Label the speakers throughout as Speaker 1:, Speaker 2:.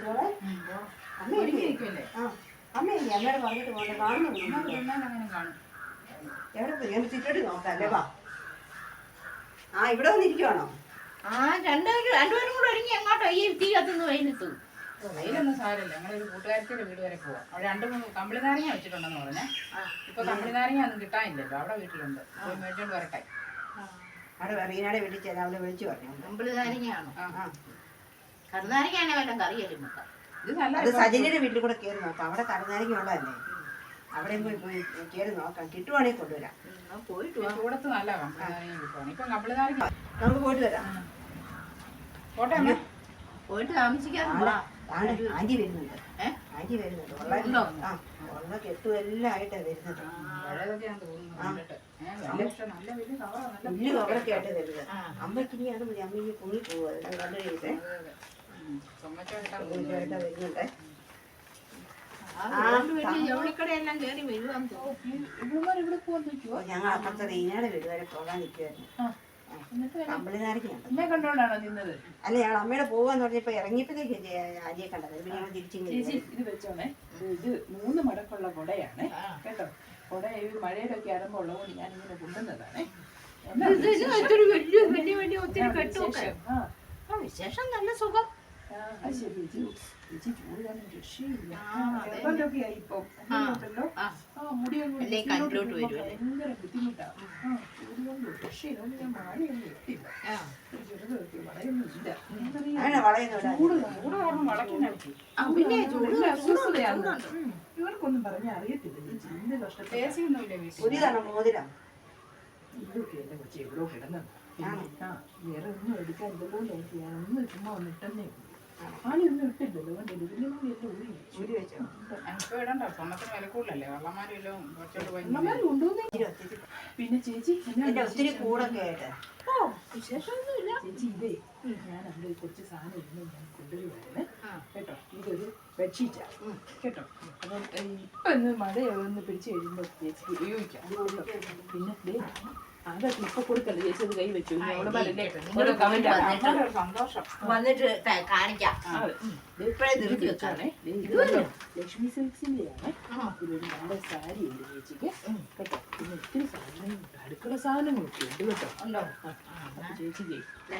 Speaker 1: അമ്മയില്ലേ അമ്മയോട് പറഞ്ഞിട്ട് പോകണ്ട കാണുന്നു എവിടെ പോയി ഞാൻ ചുറ്റോട്ട് നോക്കാം അല്ലേ വാ. ഇവിടെ വന്നിരിക്കുവാണോ?
Speaker 2: രണ്ടുപേരും കൂടെ ഒരുങ്ങി എങ്ങോട്ടോ ഈ തീ കത്തുന്നു വെയിലത്തു.
Speaker 3: വെയിലൊന്നും സാരമില്ല. ഞങ്ങളൊരു കൂട്ടുകാരത്തിന്റെ വീട് വരെ പോവാം. അവിടെ 2-3 കമ്പിളി നാരങ്ങ വെച്ചിട്ടുണ്ടെന്ന് പറഞ്ഞേ. ഇപ്പൊ കമ്പിളി നാരങ്ങ ഒന്നും കിട്ടാനില്ലല്ലോ. അവിടെ വീട്ടിലുണ്ട്. പോയി മേടിച്ചോണ്ട് വരട്ടെ.
Speaker 1: അവിടെ റീനയുടെ വീട്ടിൽ ചെല്ലാം. അവിടെ വിളിച്ചു പറഞ്ഞു
Speaker 2: കമ്പിളി നാരങ്ങയാണോ? കറുനാരങ്ങയാണെ വല്ലതും കറിയല്ലേ നോക്കാം.
Speaker 1: അത് സജനിയുടെ വീട്ടിൽ കൂടെ കയറി നോക്കാം. അവിടെ കറുനാരങ്ങ ഉള്ളതല്ലേ. അവിടെയും പോയി കയറി നോക്കാം. കിട്ടുവാണെങ്കിൽ കൊണ്ടുവരാം.
Speaker 3: ചൂടത്ത് നല്ല കമ്പിളി നാരങ്ങ കിട്ടുവാണ്. ഇപ്പൊ കമ്പിളി നാരങ്ങ
Speaker 1: നമുക്ക് പോയിട്ട് വരാം.
Speaker 3: പോട്ടെ അമ്മ.
Speaker 2: പോയിട്ട് താമസിക്കാറുണ്ടോ?
Speaker 1: ആന്റി വരുന്നുണ്ട്. ആന്റി വരുന്നുണ്ട്. ഉള്ള കെട്ടും എല്ലാം ആയിട്ടാണ് വരുന്നത്. വലിയ കവറൊക്കെ ആയിട്ട് വരുന്നത്. അമ്മയ്ക്ക് ഇനി അത് മതി. അമ്മയ്ക്ക് കുഞ്ഞി പോകും. അതെല്ലാം കണ്ടു കഴിയുമ്പേ വരുന്നുണ്ട്. ഞങ്ങൾ അപ്പുറത്തെ റീനയുടെ വീട് വരെ പോകാൻ നിൽക്കുമായിരുന്നു.
Speaker 3: കണ്ടോണ്ടാണോ നിന്നത്?
Speaker 1: അല്ല ഞങ്ങൾ അമ്മയുടെ പോവാന്ന് പറഞ്ഞപ്പോ ഇറങ്ങിയപ്പോഴത്തേക്ക് ആദ്യം കണ്ടത്. പിന്നെ ഞങ്ങൾ തിരിച്ചു
Speaker 3: ഇത് വെച്ചോണേ. ഇത് 3 മടക്കുള്ള കുടയാണ് കേട്ടോ. കുട ഈ മഴയിലൊക്കെ ആകുമ്പോൾ ഉള്ളതുകൊണ്ട് ഞാൻ ഇങ്ങനെ കൊണ്ടുവന്നതാണേ.
Speaker 2: വിശേഷം നല്ല സുഖം.
Speaker 3: ഇവർക്കൊന്നും പറഞ്ഞാൽ അറിയത്തില്ല. ഇതൊക്കെ എന്റെ കൊച്ചി എവിടോ കിടന്നത്. വേറെ ഒന്നും എടുക്കാനില്ലല്ലോ. ഒന്ന് ചുമ്മാ ഒന്ന് ഇട്ടെന്നേ. ആനയൊന്നും ഇട്ടില്ലല്ലോ. ഊരി വെച്ചോ. ഇപ്പൊ ഇടണ്ട. സ്വർണ്ണത്തിന് വില കൂടുതലല്ലേ. വള്ളമാരും കൊണ്ടുവന്നേ. പിന്നെ ചേച്ചി
Speaker 1: ഒത്തിരി കൂടൊക്കെ ആയിട്ട്
Speaker 2: വിശേഷമൊന്നുമില്ല
Speaker 3: ചേച്ചി. ഇതേ ഞാൻ അവിടെ കുറച്ച് സാധനം ഇരുന്ന് ഞാൻ കൊണ്ടുവരുവായിരുന്നേ കേട്ടോ. ഇതൊരു ബെഡ്ഷീറ്റാണ് കേട്ടോ. അപ്പം ഇപ്പൊ ഇന്ന് മഴയൊന്ന് പിടിച്ചു കഴിയുമ്പോൾ ചേച്ചിക്ക് ഉപയോഗിക്കാം. പിന്നെ അതൊക്കെ ഇപ്പൊ കൊടുക്കല്ലേ ചേച്ചി. അത് കൈ വെച്ചു. സന്തോഷം
Speaker 2: വന്നിട്ട് കാണിക്കാം.
Speaker 3: ലക്ഷ്മി സിൽക്സിന്റെയാണ്. ഇതൊരു നല്ല സാരി ഉണ്ട് ചേച്ചിക്ക് കേട്ടോ. പിന്നെ ഒത്തിരി സാധനങ്ങളുണ്ട്. അടുക്കള സാധനങ്ങളൊക്കെ ഉണ്ട് കേട്ടോ. ഉണ്ടോ? ചേച്ചിക്ക്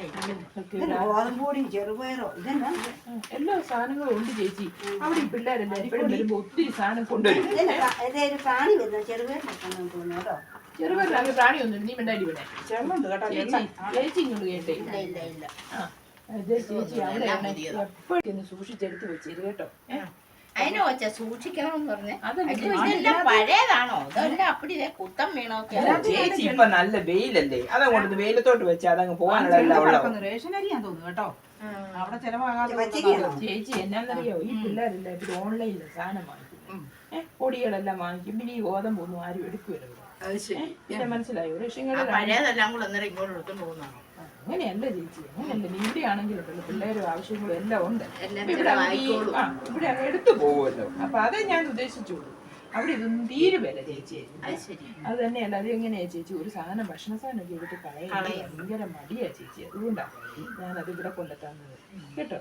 Speaker 1: ചെറുപയറോ
Speaker 3: എല്ലാ സാധനങ്ങളും ഉണ്ട് ചേച്ചി. അവിടെ ഈ പിള്ളേരെല്ലാരും ഇപ്പോഴും വരുമ്പോ ഒത്തിരി സാധനം കൊണ്ടുവരും.
Speaker 1: പ്രാണി വരുന്നത് ചെറുപയറിനൊക്കെ തോന്നുന്നു.
Speaker 3: ചെറുപയറിന് പ്രാണിയൊന്നും നീ മിണ്ടായി ഇവിടെ ചേച്ചി ഇങ്ങോട്ട് കേട്ടേ. ചേച്ചി അവിടെ എപ്പോഴും സൂക്ഷിച്ചെടുത്ത് വെച്ചേര് കേട്ടോ.
Speaker 2: അതിനെ വെച്ചാ സൂക്ഷിക്കണമെന്ന് പറഞ്ഞേ. ഇതെല്ലാം പഴയതാണോ? അതെല്ലാം അപ്പടിയെ കുത്തം വീണോക്കെ.
Speaker 4: ചേച്ചി ഇപ്പൊ നല്ല വെയിലല്ലേ. അതങ്ങോട്ട് വെയിലത്തോട്ട് വെച്ചാൽ അതങ്ങ് പോകാനുള്ള
Speaker 3: റേഷനരിയാന്ന് തോന്നുന്നു കേട്ടോ. അവിടെ ചെലവാകാതെ. ചേച്ചി എന്നാന്നറിയോ, ഈ പിള്ളേരെല്ലാം ഇപ്പൊ ഓൺലൈനിൽ സാധനം വാങ്ങിക്കും. പൊടികളെല്ലാം വാങ്ങിക്കും. പിന്നെ ഈ ഗോതമ്പൊന്നും ആരും എടുക്കുമല്ലോ. പിന്നെ മനസ്സിലായോ?
Speaker 2: പഴയതെല്ലാം കൂടെ അന്നേരം ഇങ്ങോട്ട് എടുത്തോണ്ട് പോകുന്നതാണോ?
Speaker 3: അങ്ങനെയല്ല ചേച്ചി. അങ്ങനെയല്ല. ഇവിടെ ആണെങ്കിലും പിള്ളേരും ആവശ്യങ്ങളും എല്ലാം ഉണ്ട്. ഇവിടെ അങ്ങ് എടുത്തു പോകുമല്ലോ. അപ്പൊ അതേ ഞാൻ ഉദ്ദേശിച്ചോളൂ. അവിടെ ഇതൊന്നും തീരുവല്ല ചേച്ചി. അത് തന്നെയല്ല. അത് എങ്ങനെയാ ചേച്ചി ഒരു സാധനം ഭക്ഷണ സാധനം ഒക്കെ എടുത്ത് കളയാൻ ഭയങ്കര മടിയാ ചേച്ചി. അതുകൊണ്ടാണ് ഞാനത് ഇവിടെ കൊണ്ടെത്താന്നത് കേട്ടോ.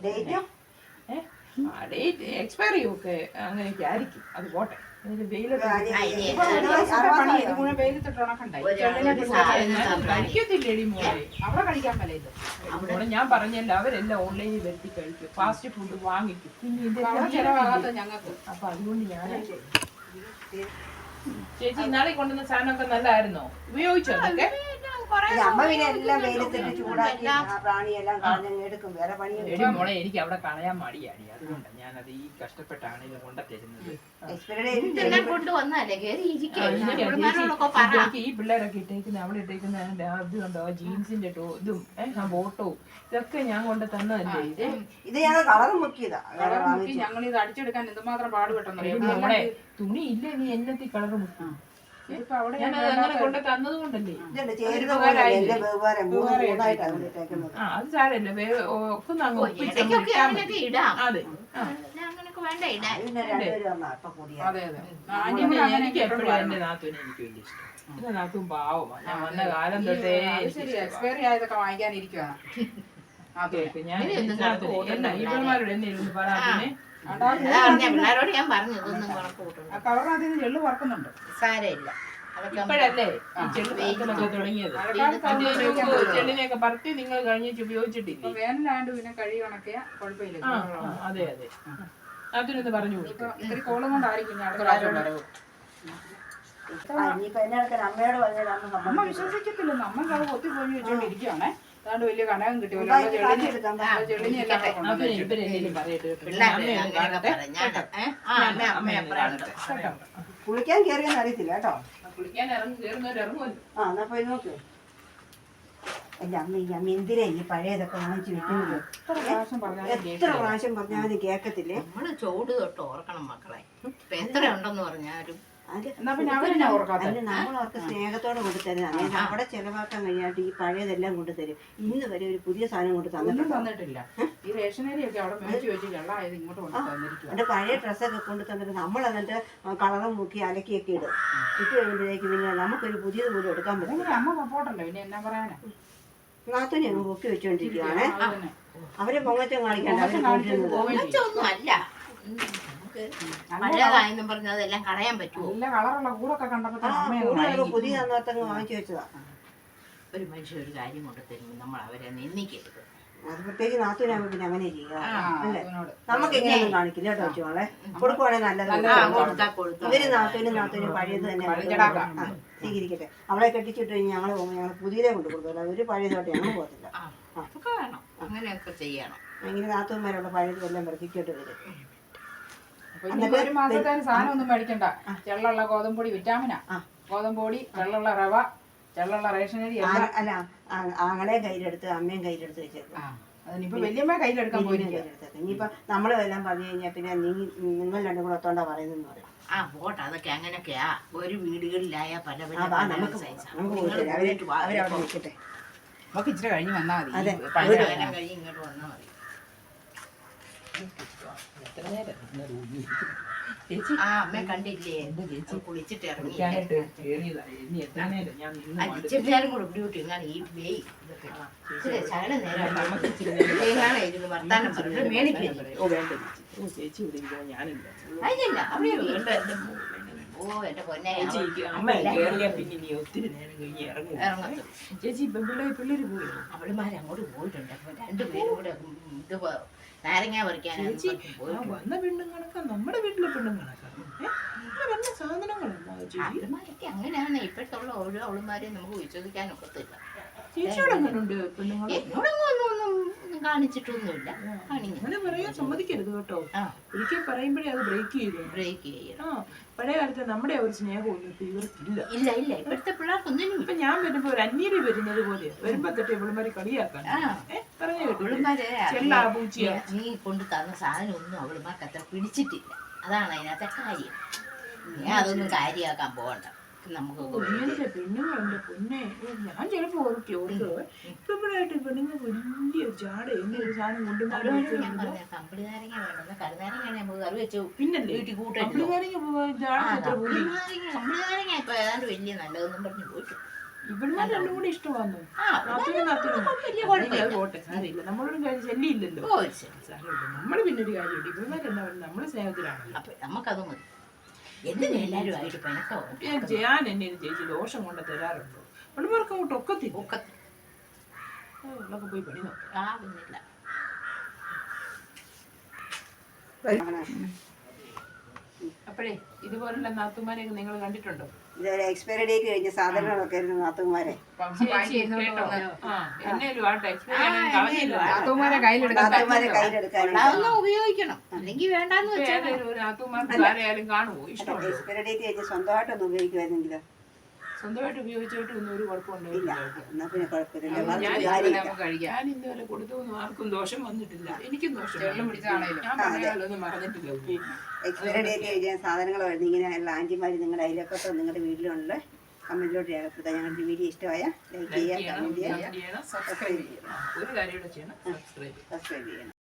Speaker 3: ഡേറ്റ് എക്സ്പയറി ഒക്കെ അങ്ങനെയൊക്കെ ആയിരിക്കും. അത് പോട്ടെ. കഴിക്കത്തില്ലേടി മോളെ. അവിടെ കഴിക്കാൻ പല ഇത് മോളെ. ഞാൻ പറഞ്ഞല്ലോ അവരെല്ലാം ഓൺലൈനിൽ വരുത്തി കഴിക്കും. ഫാസ്റ്റ് ഫുഡ് വാങ്ങിക്കും. പിന്നെ ഇത് ചെലവാകാത്ത ഞങ്ങൾക്ക്. അപ്പൊ അതുകൊണ്ട് ഞാൻ ചേച്ചി ഇന്നാളെ കൊണ്ടുവന്ന സാധനമൊക്കെ നല്ലതായിരുന്നോ? ഉപയോഗിച്ചോ അതൊക്കെ?
Speaker 1: അമ്മ പിന്നെ എല്ലാം വെയിലത്തിട്ട് ചൂടാക്കി പ്രാണിയെല്ലാം കളഞ്ഞങ്ങ് എടുക്കും. വേറെ പണി
Speaker 3: മോളെ എനിക്ക് അവിടെ കളയാൻ മടിയാടി. അതുകൊണ്ടാണ് ഞാനത് ഈ കഷ്ടപ്പെട്ടാണ് ഇത് കൊണ്ടുതരുന്നത്. ഈ പിള്ളേരൊക്കെ ഇട്ടേക്കുന്ന അവിടെ ഇട്ടേക്കുന്ന ഇത് കണ്ടോ, ജീൻസിന്റെ ഇതും ബോട്ടവും ഇതൊക്കെ ഞാൻ കൊണ്ട് തന്നതല്ലേ.
Speaker 1: ഇത് ഞങ്ങൾ കളർ മുക്കിയതാ.
Speaker 3: ഞങ്ങൾ ഇത് അടിച്ചെടുക്കാൻ എന്തുമാത്രം പാടുപെട്ടെന്നറിയാം. നമ്മളെ തുണി ഇല്ല. നീ എന്നത്തി കളർ മുക്കി അങ്ങനെ കൊണ്ട് തന്നത് കൊണ്ടല്ലേ. അത് സാരല്ല. ഒക്കെ അങ്ങ് ഒപ്പിച്ച് അതെ. അതെ അതെ. എനിക്ക് എപ്പോഴും എന്റെ നാത്തൂനെ എനിക്ക് വലിയ ഇഷ്ടം. എന്റെ നാത്തൂൻ പാവമാണ്. ഞാൻ വന്ന കാലം തൊട്ടേ. എക്സ്പയറി ആയതൊക്കെ വാങ്ങിക്കാനിരിക്കുവാണ്. കേക്ക് ഞാൻ
Speaker 2: ഇനി ഒന്നും കണക്ക് കൂട്ടണ്ട
Speaker 3: എന്നാ ഇവന്മാരോട് എന്നിരുന്ന് പറയാതിനെ
Speaker 2: അതാ പറഞ്ഞ പിള്ളേരോട് ഞാൻ പറഞ്ഞു ഇതൊന്നും കണക്ക് കൂട്ടണ്ട.
Speaker 1: ആ കവറിനകത്ത് നിന്ന് ചെള്ളു വറക്കുന്നുണ്ട്.
Speaker 2: സാരമില്ല. അതൊക്കെ
Speaker 3: ഇപ്പോഴല്ലേ ഈ ചെള്ളു പറക്കലൊക്കെ തുടങ്ങിയത്. ചെള്ളിനെയൊക്കെ പറത്തി നിങ്ങൾ കഴിഞ്ഞിട്ട് ഉപയോഗിച്ചിട്ടില്ലേ?
Speaker 1: വേനലാണ്ട് പിന്നെ കഴി കണക്കിയ കുഴപ്പമില്ല.
Speaker 3: അതെ അതെ അതിനൊന്ന് പറഞ്ഞു കൊടുക്കും.
Speaker 1: ഇത്തിരി കോളം കൊണ്ടായിരിക്കും ഞാൻ അടുത്ത പ്രാവശ്യം വരവ്. അമ്മ വിശ്വസിക്കത്തില്ല. നമ്മൾക്ക് അത് കൊത്തി പൊഞ്ഞു വെച്ചോണ്ടിരിക്കുകയാണേ. അതാണ്ട് വലിയ കനകം കിട്ടിയല്ലോ.
Speaker 3: അതിന് ഇവരെന്തെങ്കിലും പറയട്ടെ കേട്ടോ.
Speaker 2: പിള്ളേരെ അങ്ങനെയൊക്കെ പറഞ്ഞാണ്. അമ്മ എപ്പോഴാണ്
Speaker 1: കുളിക്കാൻ കയറിയെന്ന് അറിയത്തില്ല കേട്ടോ.
Speaker 3: കുളിക്കാൻ കയറുന്നവരിറങ്ങുമല്ലോ.
Speaker 1: ആ എന്നാ പോയി നോക്ക്. എന്റെ അമ്മ ഈ അമ്മ എന്തിനാ ഈ പഴയതൊക്കെ വാങ്ങിച്ചു വെക്കുന്നത്? എത്ര പ്രാവശ്യം പറഞ്ഞാൽ കേക്കത്തില്ലേ?
Speaker 2: നമ്മള് ചൂട് തൊട്ട് ഓർക്കണം മക്കളെ. ഇപ്പൊ എത്ര ഉണ്ടെന്ന് പറഞ്ഞാലും
Speaker 1: നമ്മൾ അവർക്ക് സ്നേഹത്തോടെ കൊണ്ടുതരുന്നത്. അതായത് അവിടെ ചെലവാക്കാൻ കഴിയാണ്ട് ഈ പഴയതെല്ലാം കൊണ്ടുതരും. ഇന്ന് വരെ ഒരു പുതിയ സാധനം കൊണ്ട് തന്നിട്ടില്ല.
Speaker 3: ഈ റേഷനരിയൊക്കെ അവിടെ മേടിച്ച് വെച്ച് വെള്ളമായത് ഇങ്ങോട്ട് കൊണ്ട് തന്നിരിക്കും.
Speaker 1: എന്റെ പഴയ ഡ്രസ്സൊക്കെ കൊണ്ട് തന്നിട്ട് നമ്മൾ എന്നിട്ട് കളറും മുക്കി അലക്കിയൊക്കെ ഇടും. ഇട്ട് കഴിയുമ്പോഴേക്ക് പിന്നെ നമുക്കൊരു പുതിയത് പോലും എടുക്കാൻ പറ്റും.
Speaker 3: അമ്മ സപ്പോർട്ടല്ലോ പിന്നെ എന്നാ പറയാനാ.
Speaker 1: നാത്തൂനെ അങ്ങ് പൊക്കി വെച്ചോണ്ടിരിക്കുകയാണേ. അവരെ പൊങ്ങച്ചം കാണിക്കണ്ട.
Speaker 2: ഒന്നും അല്ല. മഴയതായെന്നും പറഞ്ഞ് അതെല്ലാം കളയാൻ പറ്റുമോ?
Speaker 3: നല്ല കളറുള്ള കൂടൊക്കെ കണ്ടപ്പോ
Speaker 1: പുതിയ തന്നോർത്തങ്ങ് വാങ്ങിച്ചു വെച്ചതാ.
Speaker 2: ഒരു മനുഷ്യൻ ഒരു കാര്യം കൊണ്ട് തരുമ്പോൾ നമ്മൾ അവരെ നിന്ദിക്കരുത്.
Speaker 1: അത് പ്രത്യേകിച്ച് നാത്തൂനാകുമ്പോ പിന്നെ അങ്ങനെ ചെയ്യുക അല്ലേ? നമുക്ക് എങ്ങനെയൊന്നും കാണിക്കില്ല കേട്ടോ വെച്ചോളെ. കൊടുക്കുവാണെങ്കിൽ നല്ലത്. ഇവര് നാത്തൂനും പഴയത് തന്നെ സ്വീകരിക്കട്ടെ. അവളെ കെട്ടിച്ചിട്ട് കഴിഞ്ഞ് ഞങ്ങൾ പോകുമ്പോൾ ഞങ്ങൾ പുതിയതേ കൊണ്ട് കൊടുക്കില്ല. ഒരു പഴയതോട്ട് ഞങ്ങൾ പോകത്തില്ല.
Speaker 2: അങ്ങനെയൊക്കെ ചെയ്യണം.
Speaker 1: അങ്ങനെ നാത്തൂന്മാരുള്ള പഴയത് എല്ലാം വർദ്ധിക്കോട്ട് വരും.
Speaker 3: ഒരു മാസത്തെ സാധനം ഒന്നും മേടിക്കണ്ട. ചെള്ളുള്ള ഗോതമ്പൊടി വിറ്റാമിനാ. ഗോതമ്പൊടി, ചെള്ളുള്ള റവ, ചെള്ളുള്ള റേഷനരി.
Speaker 1: അല്ല ആങ്ങളെ കയ്യിലെടുത്ത് അമ്മയും കയ്യിലെടുത്ത് വെച്ചേക്കും.
Speaker 3: അതിനിപ്പോ വല്യമ്മ കയ്യിലെടുക്കാൻ പോയിരിക്കും.
Speaker 1: ഇനിയിപ്പൊ നമ്മള് എല്ലാം പറഞ്ഞു കഴിഞ്ഞാൽ പിന്നെ നിങ്ങൾ രണ്ടും കൂടെ ഒത്തോണ്ടാ പറയുന്നെന്ന് പറയാം.
Speaker 2: പോട്ടെ, അതൊക്കെ അങ്ങനെയൊക്കെയാ. ഒരു വീടുകളിലായ പല പല
Speaker 1: അവരവിടെ നിൽക്കട്ടെ.
Speaker 3: നമുക്ക് ഇച്ചിരി കഴിഞ്ഞ് വന്നാൽ മതി.
Speaker 2: കഴിഞ്ഞ് ഇങ്ങോട്ട് വന്നാൽ മതി. അമ്മ കണ്ടില്ലേ? കുളിച്ചിട്ട് ഇറങ്ങി നേരം കൂടെ ഡ്യൂട്ടി ഇങ്ങനെ ഈ വേ ശകല നേരം ഇരുന്ന് വർത്താനം പറഞ്ഞു മേടിക്കില്ല. അതില്ല അവിടെ ഓ എന്റെ പൊന്നെ ഇറങ്ങത്തും.
Speaker 3: ചേച്ചി പിള്ളേര് പോയി.
Speaker 2: അവളുമാരങ്ങോട്ട് പോയിട്ടുണ്ട്. അപ്പൊ രണ്ടുപേരും കൂടെ ഇത് നാരങ്ങ പറിക്കാനാണ്
Speaker 3: വന്ന പെണ്ണുങ്ങളൊക്കെ നമ്മുടെ വീട്ടിലെ പെണ്ണുങ്ങളൊക്കെ വന്ന സാധനങ്ങളല്ല.
Speaker 2: അവളുമാരൊക്കെ അങ്ങനെയാണ്. ഇപ്പോഴത്തെ ഉള്ള ഓരോ അവളുമാരെയും നമുക്ക് വിശ്വസിക്കാനൊക്കത്തില്ല. എന്നോടൊന്നും കാണിച്ചിട്ടൊന്നുമില്ല.
Speaker 3: അങ്ങനെ പറയാൻ സമ്മതിക്കരുത് കേട്ടോ. ഒരിക്കൽ പറയുമ്പോഴേ അത് ബ്രേക്ക് ചെയ്യണം. പഴയ കാലത്ത് നമ്മുടെ ഒരു സ്നേഹമൊന്നും ഇപ്പൊ ഇവർക്കില്ല.
Speaker 2: ഇല്ല ഇപ്പോഴത്തെ പിള്ളേർക്കൊന്നും.
Speaker 3: ഇപ്പൊ ഞാൻ വരുമ്പോ ഒരു അന്യര് വരുന്നത് പോലെ വരുമ്പോ തൊട്ട് ഇവളുമാര് കളിയാക്കാൻ പറഞ്ഞു കേട്ടോ.
Speaker 2: നീ കൊണ്ട് തന്ന സാധനം ഒന്നും അവളുമാർക്ക് അത്ര പിടിച്ചിട്ടില്ല. അതാണ് അതിനകത്തെ കാര്യം. ഞാൻ അതൊന്നും കാര്യമാക്കാൻ പോകണ്ട. നമുക്ക്
Speaker 3: പെണ്ണുങ്ങളുണ്ട് പൊന്നെ. ഞാൻ ചിലപ്പോ ഇപ്പോഴായിട്ട് പെണ്ണുങ്ങൾ വലിയ ജാട എന്നൊരു സാധനം കൊണ്ടുവന്നാലും
Speaker 2: കമ്പിളി നാരങ്ങ വേണമെന്ന് കരുനാരങ്ങ നമുക്ക് കറി വെച്ചു.
Speaker 3: പിന്നല്ലേ
Speaker 2: വീട്ടിൽ കൂട്ടി
Speaker 3: കമ്പിളി
Speaker 2: നാരങ്ങ ഇപ്പൊ ഏതാണ്ട് വലിയ നല്ലതെന്നും പറഞ്ഞു പോയിട്ടു.
Speaker 3: ഇവന്മാർ രണ്ടും കൂടെ ഇഷ്ടമാണോ? പോട്ടെ സാരമില്ല. നമ്മളൊരു കാര്യം ശല്യമില്ലല്ലോ. നമ്മള് പിന്നെ ഒരു കാര്യമുണ്ട്. ഇവന്മാർ എന്താ പറയുക? നമ്മള് സ്നേഹത്തിലാണല്ലോ.
Speaker 2: അപ്പൊ നമുക്കത് മതി. എന്തിനാ എല്ലാരും ആയിട്ട് പിണക്കോ?
Speaker 3: ഞാൻ എന്നെ ചേച്ചി ദോഷം കൊണ്ട് തരാറുണ്ടോ? അവളുമാർക്ക് അങ്ങോട്ട് ഒക്കത്തില്ല. പോയി പണി നോക്കാം. അപ്പോഴേ ഇതുപോലുള്ള നാത്തുമാരെയൊക്കെ നിങ്ങൾ കണ്ടിട്ടുണ്ടോ?
Speaker 1: ഇതുവരെ എക്സ്പയറി ഡേറ്റ് കഴിഞ്ഞ സാധനങ്ങളൊക്കെ ആയിരുന്നു നാത്തുമാരെ.
Speaker 2: ഉപയോഗിക്കണം. അല്ലെങ്കിൽ വേണ്ടെന്ന് വെച്ചാൽ
Speaker 1: എക്സ്പയറി ഡേറ്റ് കഴിഞ്ഞ് സ്വന്തമായിട്ടൊന്നും ഉപയോഗിക്കുമായിരുന്നെങ്കിലോ?
Speaker 3: സ്വന്തമായിട്ട് ഉപയോഗിച്ചിട്ട് ഒന്നും ഒരു കുഴപ്പമുണ്ടായില്ല.
Speaker 1: എന്നാ പിന്നെ കുഴപ്പമില്ല.
Speaker 3: ഞാൻ ഇന്നുവരെ കൊടുത്തൊന്നും ആർക്കും ദോഷം വന്നിട്ടില്ല. എനിക്കും ദോഷം ഞാൻ മറന്നിട്ടില്ല.
Speaker 1: എക്സ്പയറി ഡേറ്റ് കഴിഞ്ഞ സാധനങ്ങൾ ഇങ്ങനെ ആന്റിമാര് നിങ്ങളുടെ അയൽവക്കത്തോ നിങ്ങളുടെ വീട്ടിലുള്ള കമന്റിലോട്ട് രേഖപ്പെടുത്താം. ഞങ്ങളുടെ വീഡിയോ ഇഷ്ടമായ ലൈക്ക് ചെയ്യുക, കമന്റ് ചെയ്യുക,
Speaker 3: സബ്സ്ക്രൈബ് ചെയ്യണം. ഒരു കാര്യം ചെയ്യണം, സബ്സ്ക്രൈബ്
Speaker 1: ചെയ്യണം.